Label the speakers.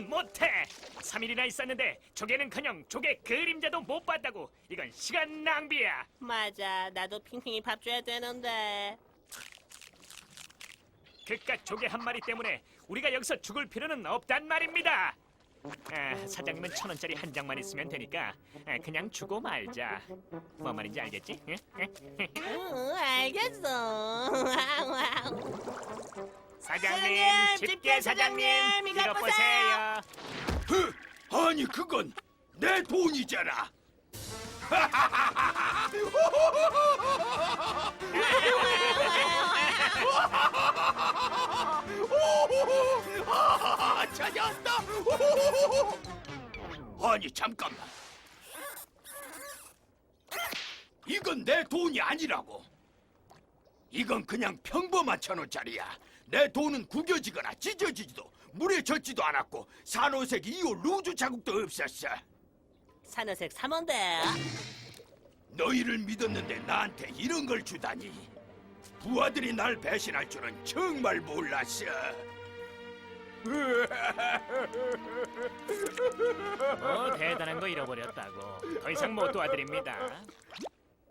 Speaker 1: 이건 못해. 3일이나 있었는데 조개는커녕 조개 그림자도 못 봤다고. 이건 시간 낭비야.
Speaker 2: 맞아, 나도 핑핑이 밥 줘야 되는데.
Speaker 1: 그깟 조개 한 마리 때문에 우리가 여기서 죽을 필요는 없단 말입니다. 사장님은 1,000원짜리 한 장만 있으면 되니까 그냥 주고 말자. 뭔 말인지 알겠지? 응?
Speaker 2: 응, 알겠어.
Speaker 1: 사장님, 집게 사장님, 이것 보세요.
Speaker 3: 아니 그건 내 돈이잖아. 찾았다. 아니 잠깐만. 이건 내 돈이 아니라고. 이건 그냥 평범한 1,000원짜리야. 내 돈은 구겨지거나 찢어지지도 물에 젖지도 않았고 산호색 2호 루즈 자국도 없었어.
Speaker 2: 산호색 3호인데.
Speaker 3: 너희를 믿었는데 나한테 이런 걸 주다니. 부하들이 날 배신할 줄은 정말 몰랐어.
Speaker 1: 대단한 거 잃어버렸다고. 더 이상 못 도와드립니다.